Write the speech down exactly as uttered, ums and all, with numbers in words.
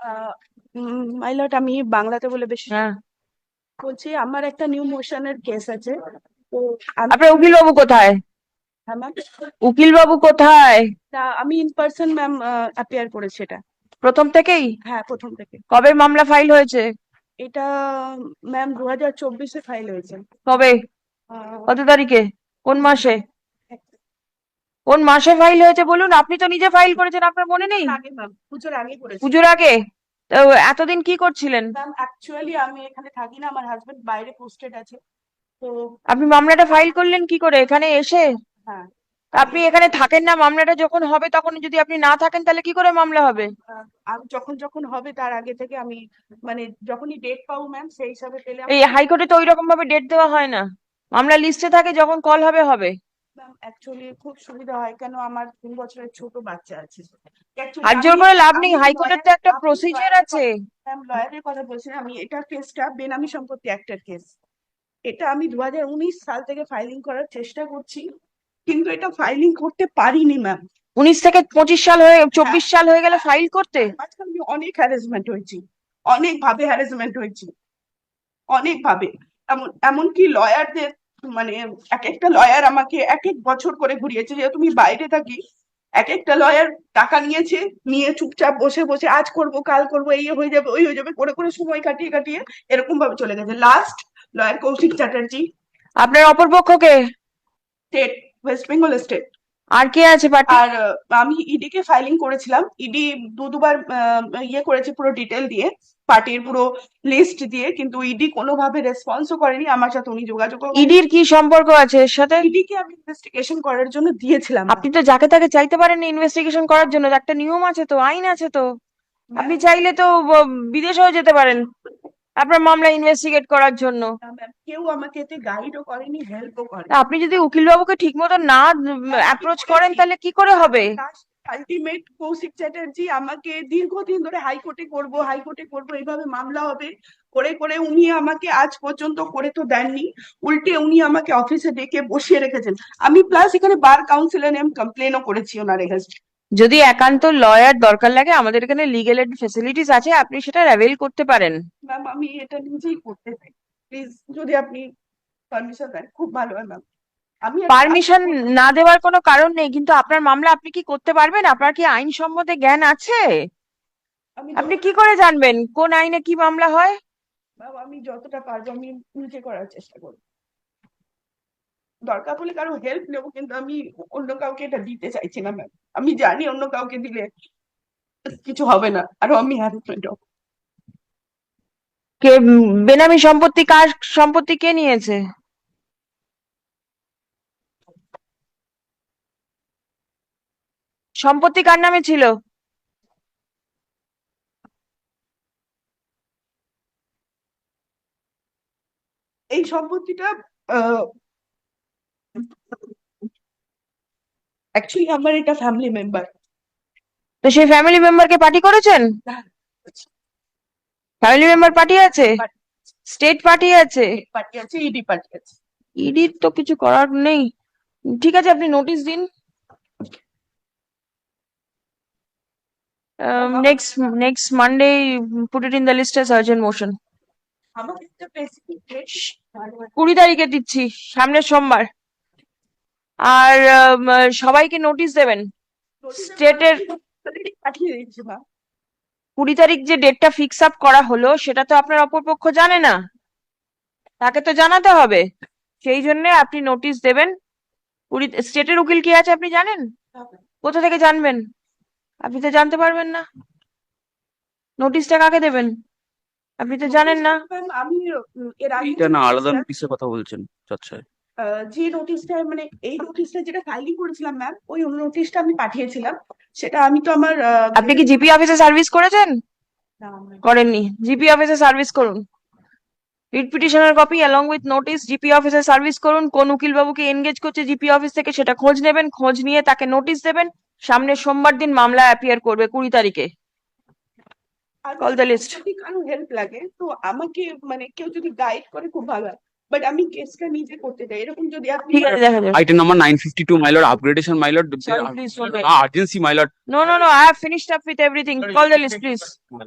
My lord, আমি বাংলাতে বলে বেশি হ্যাঁ। বলছি। আমার একটা নিউ মোশনের কেস আছে, তো আমি আপনার উকিল বাবু কোথায়? হ্যাঁ ম্যাম। উকিল বাবু কোথায়? তা আমি ইন পার্সন ম্যাম অ্যাপিয়ার করেছি এটা। প্রথম থেকেই? হ্যাঁ, প্রথম থেকে। কবে মামলা ফাইল হয়েছে? এটা ম্যাম দু হাজার চব্বিশে ফাইল হয়েছে। কবে? আহ, কত তারিখে? কোন মাসে? কোন মাসে ফাইল হয়েছে বলুন? আপনি তো নিজে ফাইল করেছেন, আপনার মনে পুজোর নেই? আগে ম্যাম, পুজোর আগে করেছি। পুজোর আগে? তো এতদিন কি করছিলেন? ম্যাম অ্যাকচুয়ালি আমি এখানে থাকি না, আমার হাজবেন্ড বাইরে পোস্টেড আছে। তো আপনি মামলাটা ফাইল করলেন কি করে এখানে এসে? হ্যাঁ, আমি আপনি এখানে থাকেন না, মামলাটা যখন হবে তখন যদি আপনি না থাকেন তাহলে কি করে মামলা হবে? আহ, আমি যখন যখন হবে তার আগে থেকে আমি, মানে যখনই ডেট পাবো ম্যাম সেই হিসাবে পেলে আমি। এই হাইকোর্টে তো ওই রকম ভাবে ডেট দেওয়া হয় না। মামলা লিস্টে থাকে, যখন কল হবে হবে। ম্যাম অ্যাকচুয়ালি খুব সুবিধা হয়, কেন আমার তিন বছরের ছোট বাচ্চা আছে। অ্যাকচুয়ালি হাত জোর আমি করে লাভ নেই, আমি হাইকোর্টের লয়ার তো একটা আমি প্রসিজার লয়ারের আছে। কথা ম্যাম লয়ারের কথা বলছি না, আমি এটা কেসটা বেনামি সম্পত্তি অ্যাক্টের কেস। এটা আমি দু হাজার উনিশ সাল থেকে ফাইলিং করার চেষ্টা করছি, কিন্তু এটা ফাইলিং করতে পারিনি ম্যাম। উনিশ থেকে পঁচিশ সাল হয়ে হ্যাঁ, চব্বিশ সাল হয়ে গেল হ্যাঁ, ফাইল করতে? তার মাঝখানে আমি অনেক হ্যারাসমেন্ট হয়েছি, অনেক ভাবে হ্যারাসমেন্ট হয়েছি, অনেক ভাবে। এমন এমনকি লয়ারদের, মানে এক একটা লয়ার আমাকে এক এক বছর করে ঘুরিয়েছে, যেহেতু তুমি বাইরে থাকি। এক একটা লয়ার টাকা নিয়েছে, নিয়ে চুপচাপ বসে বসে আজ করব কাল করব, এই হয়ে যাবে ওই হয়ে যাবে করে করে সময় কাটিয়ে কাটিয়ে এরকম ভাবে চলে গেছে। লাস্ট লয়ার কৌশিক চ্যাটার্জি, আপনার অপরপক্ষকে? State, West Bengal state. আর কে আছে পার্টি? আর আহ, আমি ইডি কে ফাইলিং করেছিলাম, ইডি দু দুবার আহ, ইয়ে করেছে পুরো ডিটেল দিয়ে, পার্টির পুরো লিস্ট দিয়ে, কিন্তু ইডি কোনোভাবে রেসপন্সও করেনি, আমার সাথে উনি যোগাযোগও করেনি। ইডির কি সম্পর্ক আছে এর সাথে? ইডি কে আমি ইনভেস্টিগেশন করার জন্য দিয়েছিলাম ম্যাম। আপনি তো যাকে তাকে চাইতে পারেন ইনভেস্টিগেশন করার জন্য, একটা নিয়ম আছে তো, আইন আছে তো। আপনি চাইলে তো ব- বিদেশেও যেতে পারেন আপনার মামলা ইনভেস্টিগেট করার জন্য। ম্যাম কেউ আমাকে এতে গাইডও করেনি, হেল্পও তা করেনি। আপনি যদি উকিল বাবুকে ঠিক মতো না ম্যাম আমি অ্যাপ্রোচ করেন করেছি, তাহলে কি করে হবে? আলটিমেট কৌশিক চ্যাটার্জি আমাকে দীর্ঘদিন ধরে হাইকোর্টে করব হাইকোর্টে করব এইভাবে মামলা হবে করে করে উনি আমাকে আজ পর্যন্ত করে তো দেননি। উল্টে উনি আমাকে অফিসে ডেকে বসিয়ে রেখেছেন। আমি প্লাস এখানে বার কাউন্সিলের নেম কমপ্লেনও করেছি ওনার এগেনস্ট। যদি একান্ত লয়ার দরকার লাগে, আমাদের এখানে লিগেল এড ফেসিলিটিস আছে, আপনি সেটা অ্যাভেল করতে পারেন। ম্যাম আমি এটা নিজেই করতে চাই, প্লিজ যদি আপনি পারমিশন দেন খুব ভালো হয় ম্যাম। আমি একটা কাজ পারমিশন করবো। না দেওয়ার কোনো কারণ নেই, কিন্তু আপনার মামলা আপনি কি করতে পারবেন? আপনার কি আইন সম্বন্ধে জ্ঞান আছে? আমি আপনি যতটা কি করে জানবেন কোন আইনে কি মামলা হয়? ম্যাম আমি যতটা পারবো আমি নিজে করার চেষ্টা করবো। দরকার পড়লে কারো হেল্প নেবো, কিন্তু আমি অন্য কাউকে এটা দিতে চাইছি না ম্যাম। আমি জানি অন্য কাউকে দিলে কিছু হবে না, আরো আমি হ্যারাসমেন্ট হবো। কে উম, বেনামি সম্পত্তি, কার সম্পত্তি কে নিয়েছে? সম্পত্তি কার নামে ছিল? এই সম্পত্তিটা অ্যাকচুয়ালি আমার এটা ফ্যামিলি মেম্বার। তো সেই ফ্যামিলি মেম্বারকে পার্টি করেছেন? ফ্যামিলি মেম্বার পার্টি আছে? স্টেট পার্টি আছে? পার্টি আছে, ইডি পার্টি আছে। ইডির তো কিছু করার নেই। ঠিক আছে, আপনি নোটিশ দিন। Ma'am next next Monday put it in the list as urgent motion. আমাকে একটা স্পেসিফিক ডেট কুড়ি তারিখে দিচ্ছি, সামনের সোমবার। আর আম, সবাইকে নোটিশ দেবেন স্টেটের। পাঠিয়ে দিয়েছি ম্যাম। কুড়ি তারিখ যে ডেটটা ফিক্স আপ করা হলো সেটা তো আপনার অপরপক্ষ জানে না, তাকে তো জানাতে হবে। সেই জন্য আপনি নোটিশ দেবেন। কুড়ি স্টেটের উকিল কি আছে আপনি জানেন? কোথা থেকে জানবেন? আপনি তো জানতে পারবেন না। নোটিশটা কাকে দেবেন আপনি তো জানেন না। ম্যাম আমি উম, এর আগে এইটা যে না, আলাদা নোটিশটা, নোটিশের কথা বলছেন? আচ্ছা। যে নোটিশটা মানে এই নোটিশটা যেটা ফাইলিং করেছিলাম ম্যাম, ওই নোটিশটা আমি পাঠিয়েছিলাম। সেটা আমি তো আমার আহ, আপনি কি জিপি অফিসে সার্ভিস করেছেন? না, আমার- করেননি? জিপি অফিসে সার্ভিস করুন। রিট পিটিশনের copy along with notice GP অফিসে সার্ভিস করুন। কোন উকিল বাবুকে এনগেজ করছে জিপি অফিস থেকে সেটা খোঁজ নেবেন, খোঁজ নিয়ে তাকে নোটিশ দেবেন। সামনের সোমবার দিন মামলা অ্যাপিয়ার করবে কুড়ি তারিখে। আর কল দ্য লিস্ট। যদি কারো হেল্প লাগে তো আমাকে, মানে কেউ যদি গাইড করে খুব ভালো হয়, বাট আমি কেসটা নিজে করতে চাই, এরকম যদি আপনি। ঠিক আছে, দেখা যাবে। Item number nine fifty-two, my lord. Upgradation, my lord. Sorry, please don't wait. Ah, urgency, my lord. No, no, no. I have finished up with everything. Call the list, please.